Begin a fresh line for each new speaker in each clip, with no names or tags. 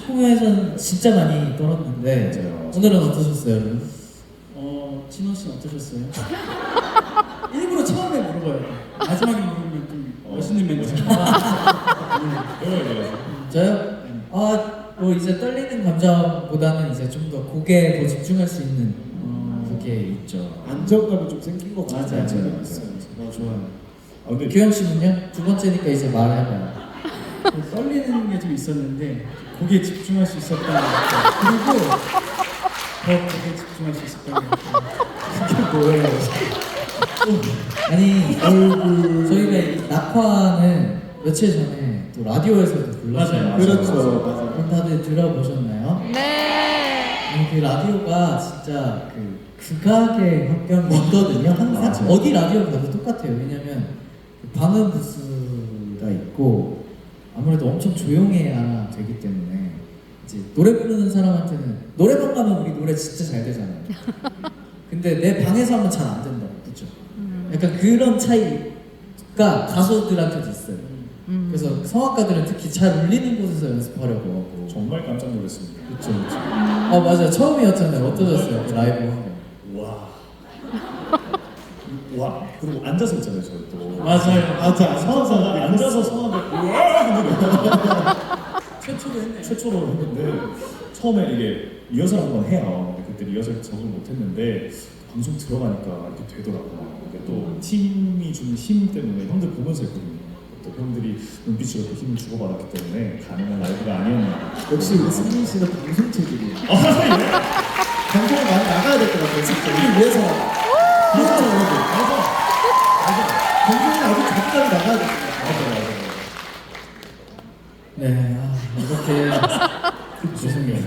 축구에서는 진짜 많이 떨었는데
맞아요.
오늘은 어떠셨어요, 여러분?
진호 씨는 어떠셨어요? 일부러 처음에 물어봐요. 마지막에 물으면 좀 멋있는 멘트.
저요? 뭐 이제 떨리는 감정보다는 이제 좀 더 곡에 더 집중할 수 있는 그게 있죠.
안정감이 좀 생긴 것 같아요.
맞아요.
좋아요.
아 근데
규영 씨는요? 두 번째니까 이제 말을 해봐요.
떨리는 게 좀 있었는데 곡에 집중할 수 있었던 것 같아요. 그리고 더 곡에 집중할 수 있었던 것 같아요.
그게 뭐예요? 아니 저희가 이 낙화는 며칠 전에 또 라디오에서도 불렀어요.
맞아요.
그렇죠. 맞아요.
그럼 다들 들어보셨나요?
네.
아니, 그 라디오가 진짜 그 극악의 환경이 있거든요. 항상
맞아요.
어디 라디오 가도 똑같아요. 왜냐면 그 방음 부스가 있고 아무래도 엄청 조용해야 되기 때문에 이제 노래 부르는 사람한테는 노래방 가면 우리 노래 진짜 잘 되잖아요. 근데 내 방에서 하면 잘 안 된다고, 그렇죠? 약간 그런 차이가 가수들한테도 있어요. 그래서 성악가들은 특히 잘 울리는 곳에서 연습하려고 하고.
정말 깜짝 놀랐습니다.
그렇죠, 그렇죠. 맞아요. 처음이었잖아요. 어떠셨어요? 그 라이브 한 거.
와. 와. 그리고 앉아서 했잖아요, 저희 또.
맞아요.
맞아.
성악사가 앉아서 성악을 와!
최초로 했네.
최초로 했는데 처음에 이게 리허설 한번 해요. 근데 그때 리허설 적응 못했는데 방송 들어가니까 이렇게 되더라고요. 이게 또 팀이 주는 힘 때문에 형들 보면서 했거든요. 또 형들이 눈빛으로 또 힘을 주고받았기 때문에 가능한 라이브가 아니었나.
역시 우리 승민 씨는 방송 체질이에요. 방송을 많이 나가야 될 것 같아요. 승민을 위해서. 그렇죠, 여러분. 맞아. 방송을 아주 적당히 나가야 될 것 같아요.
네, 이렇게 죄송해요.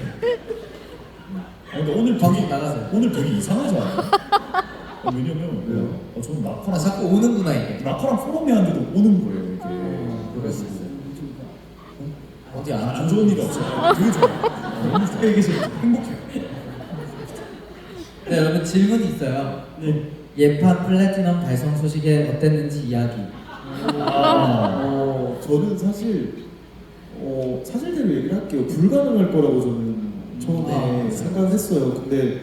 근데 오늘
방송
되게
나가세요.
오늘 되게 이상하지 않아요? 왜냐면 저는 낙화랑
자꾸 오는구나 이게.
낙화랑 포럼이 하는데도 오는 거예요. 이게.
그럴 수 있어요. 어디
안 좋은 일이 없어요. 되게 좋아요. 너무 되게 계시고 행복해요.
네, 여러분 질문이 있어요.
네.
예판 플래티넘 달성 소식에 어땠는지 이야기.
저는 사실대로 얘기를 할게요. 불가능할 거라고 저는 처음에 생각했어요. 근데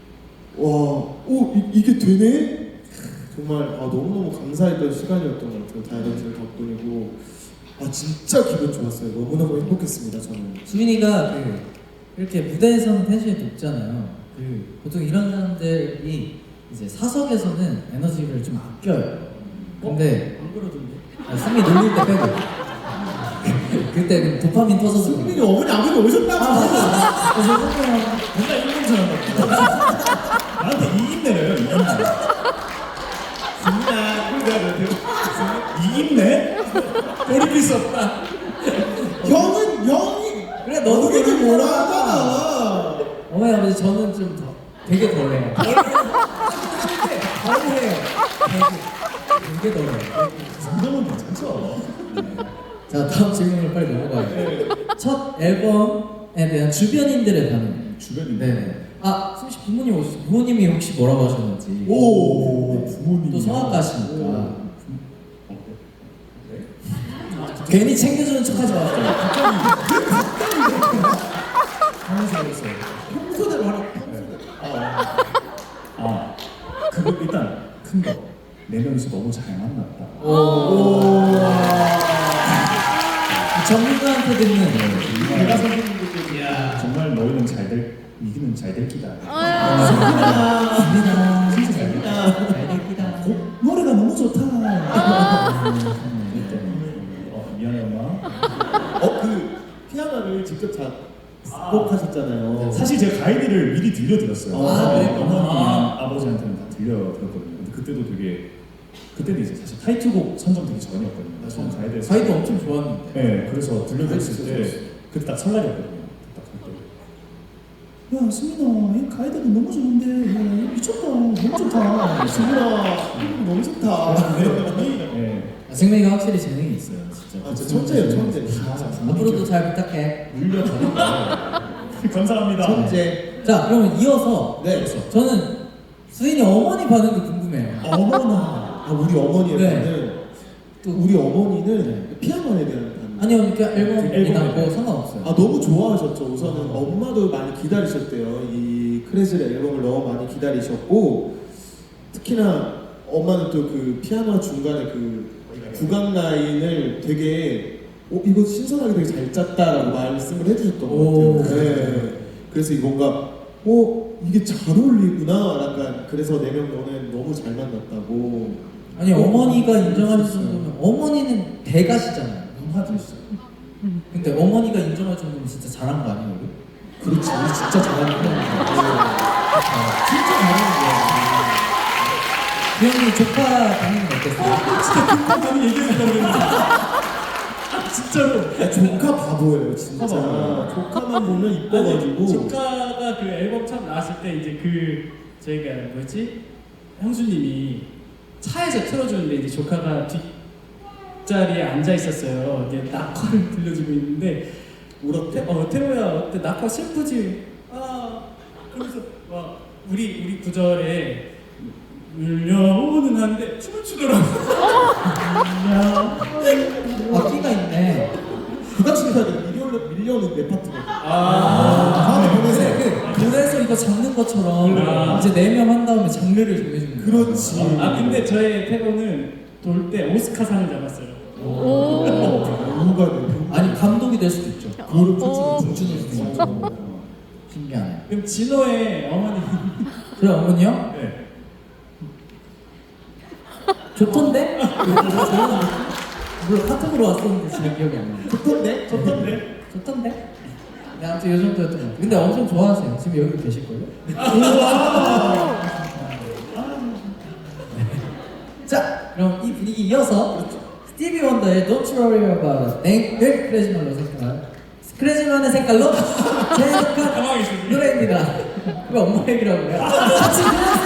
이게 되네? 정말 너무너무 감사했던 시간이었던 것 같아요. 다이너스의 덕분이고 진짜 기분 좋았어요. 너무너무 행복했습니다. 저는.
수민이가 이렇게 무대에서는 텐션이 높잖아요. 보통 이런 사람들이 이제 사석에서는 에너지를 좀 아껴요. 근데
안 그러던데.
수민이 놀릴 때 빼고. 그때 그 도파민 터져서.
승민이 어머니 아버지 오셨다고.
맨날 일본 사람 같아. 나한테 이김내래요. 이김내. 이김내?
돌이킬 수 없다.
형이
그래 너도
그렇게
그렇게
뭐라
뭐라
하잖아.
어머니 아버지 저는 좀 되게 덜해요. 덜해요. 되게 덜해요.
정도면 괜찮죠.
자 다음 질문으로 빨리 넘어가요. 첫 앨범에 대한 주변인들의 반응.
주변이.
네. 수민 씨 부모님이 혹시 뭐라고 하셨는지.
오.
부모님이.
또 성악가시니까.
네?
괜히 챙겨주는 척하지 마세요.
하면서 했어요.
평소대로 하라.
그거 일단 큰 거. 네 명이서 너무 잘 만났다.
전문가한테 듣는
내가 선생님들께 정말 너희는 이기는 잘 될 기다.
입니다.
진짜 잘 됐다.
잘 됩니다.
노래가 너무 좋다. 미안해 엄마.
그 피아노를 직접 작곡하셨잖아요.
사실 제가 가이드를 미리 들려드렸어요.
그래요?
어머니랑 아버지한테는 다 들려드렸거든요. 근데 그때도 이제 사실 타이틀곡 선정되기 전이었거든요. 처음 가이드에서.
가이드 엄청 좋았는데.
네, 그래서 들려드렸을 때 그때 딱 설날이었거든요. 딱 그때. 야, 수민아, 이 가이드는 너무 좋은데, 야, 미쳤다, 너무 좋다.
승민아, 너무 좋다.
네,
승민이가 확실히 재능이 있어요, 진짜.
진짜 천재예요, 천재.
앞으로도 잘 부탁해.
물려드린다. 감사합니다.
천재.
자, 그러면 이어서
네.
저는 수인이 어머니 반응도 궁금해요.
어머나. 우리 어머니의
네.
반응. 또 우리 어머니는 피아노에 대한 반응.
아니요, 그러니까 앨범이나
앨범이네.
뭐 상관없어요.
아 너무 좋아하셨죠. 우선은 엄마도 많이 기다리셨대요. 이 크레즐의 앨범을 너무 많이 기다리셨고 특히나 엄마는 또 그 피아노 중간에 그 구간 라인을 되게 이거 신선하게 되게 잘 짰다라고 말씀을 해주셨던 것
오.
같아요. 네. 그래서 이 뭔가 이게 잘 어울리구나. 약간 그래서 4명 너는 너무 잘 만났다고.
아니 어머니가 인정할 정도면 어머니는 대가시잖아요.
문화들이시죠.
근데 어머니가 인정할 정도면 진짜 잘한 거 아니에요? 우리?
그렇지, 우리 진짜 잘하는 거야.
진짜 잘하는 거예요. 주영이 조카 반응은 어땠어요?
진짜 금방 저는 얘기해준다고 그랬는데 진짜로
야, 조카 바보예요, 진짜.
바보야.
조카만 보면 이뻐가지고.
아니, 조카가 그 앨범 처음 나왔을 때 이제 그 저희가 뭐였지? 형수님이 차에서 틀어주는데 이제 조카가 뒷자리에 앉아 있었어요. 이게 낙화를 들려주고 있는데 울었대? 태호야 어때? 낙화 슬프지? 그러면서 막 우리 구절에 울려오는 한데 춤을 추더라고.
아 끼가 있네.
그 당시까지 밀려오는 내 파트거든.
아,
보내세요.
그래서 이거 잡는 것처럼 이제 4명 한 다음에 장르를 정해주는 거예요.
그렇지.
근데 저의 태호는 돌 때 오스카상을 잡았어요.
누가 돼?
아니 감독이 될 수도 있죠.
그걸
춤추는 수도 있죠. 신기하네.
그럼 진호의 어머니.
그래 어머니요?
네.
좋던데? 물론 카톡으로 왔었는데 잘 기억이 안 나요.
좋던데?
좋던데? 네, 아무튼 이 정도였던 것 같아요. 근데 엄청 좋아하세요. 지금 여기 계실걸요? 자, 그럼 이 분위기 이어서 스티비 원더의 Don't You Worry About a Thing을 크레지만의 색깔로 제작한
당황했어요.
노래입니다. 왜 엄마 얘기라고 해요? 같이 들어주세요.